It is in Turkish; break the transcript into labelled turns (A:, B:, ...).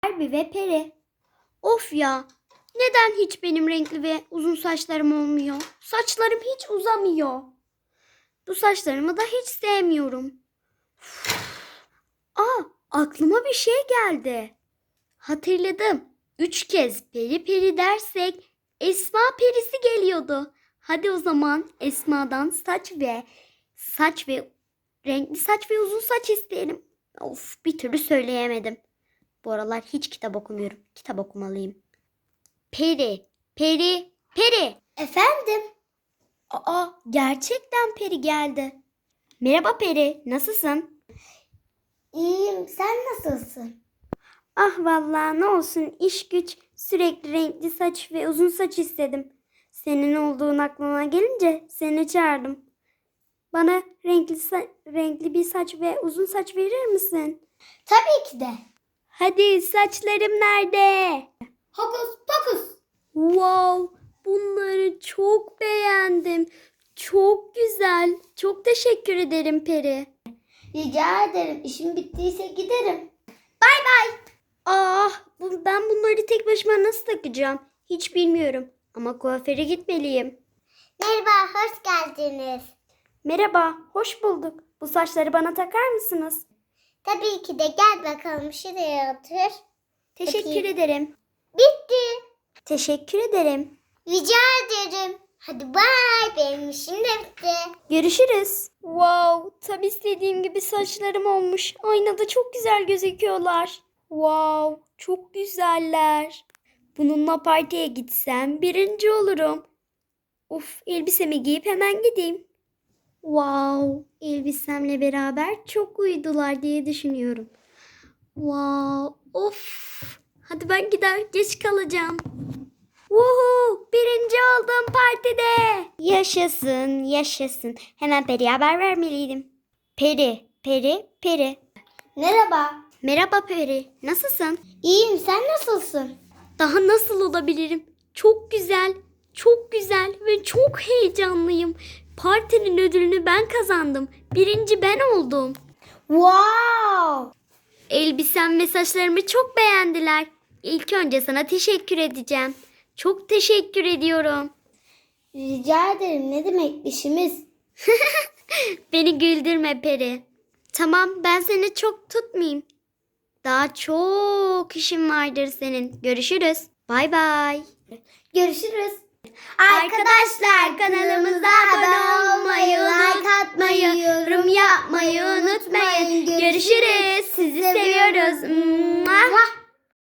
A: Barbie ve Peri. Of ya, neden hiç benim renkli ve uzun saçlarım olmuyor? Saçlarım hiç uzamıyor. Bu saçlarımı da hiç sevmiyorum. Aa, aklıma bir şey geldi. Hatırladım. 3 kez peri peri dersek Esma perisi geliyordu. Hadi o zaman Esma'dan saç ve renkli saç ve uzun saç isteyelim. Of, bir türlü söyleyemedim. Bu aralar hiç kitap okumuyorum. Kitap okumalıyım. Peri, peri, peri. Efendim? Aa, gerçekten peri geldi. Merhaba peri, nasılsın?
B: İyiyim. Sen nasılsın?
A: Ah vallahi ne olsun, iş güç, sürekli renkli saç ve uzun saç istedim. Senin olduğun aklıma gelince seni çağırdım. Bana renkli bir saç ve uzun saç verir misin?
B: Tabii ki de.
A: Hadi, saçlarım nerede?
B: Hokus pokus.
A: Wow, bunları çok beğendim. Çok güzel. Çok teşekkür ederim Peri.
B: Rica ederim. İşim bittiyse giderim.
A: Ben bunları tek başıma nasıl takacağım? Hiç bilmiyorum. Ama kuaföre gitmeliyim.
B: Merhaba, hoş geldiniz.
A: Merhaba, hoş bulduk. Bu saçları bana takar mısınız?
B: Tabii ki de, gel bakalım şuraya otur.
A: Teşekkür
B: Bakayım.
A: ederim.
B: Bitti.
A: Teşekkür ederim.
B: Rica ederim. Hadi bay, benim işim de bitti.
A: Görüşürüz. Wow, tam istediğim gibi saçlarım olmuş. Aynada çok güzel gözüküyorlar. Wow, çok güzeller. Bununla partiye gitsem birinci olurum. Of, elbisemi giyip hemen gideyim. Wow, elbisemle beraber çok uydular diye düşünüyorum. Wow, of. Hadi ben gider, geç kalacağım. Woohoo, birinci oldum partide. Yaşasın, yaşasın. Hemen Peri'ye haber vermeliydim. Peri, Peri, Peri.
B: Merhaba.
A: Merhaba Peri, nasılsın?
B: İyiyim, sen nasılsın?
A: Daha nasıl olabilirim? Çok güzel, çok güzel ve çok heyecanlıyım. Partinin ödülünü ben kazandım. Birinci ben oldum.
B: Wow.
A: Elbisem ve saçlarımı çok beğendiler. İlk önce sana teşekkür edeceğim. Çok teşekkür ediyorum.
B: Rica ederim, ne demek, işimiz.
A: Beni güldürme Peri. Tamam, ben seni çok tutmayayım. Daha çok işim vardır senin. Görüşürüz. Bay bay.
B: Görüşürüz.
A: Arkadaşlar, kanalımıza abone olmayı, like atmayı, yorum yapmayı unutmayın. Görüşürüz. Sizi seviyoruz. Mua.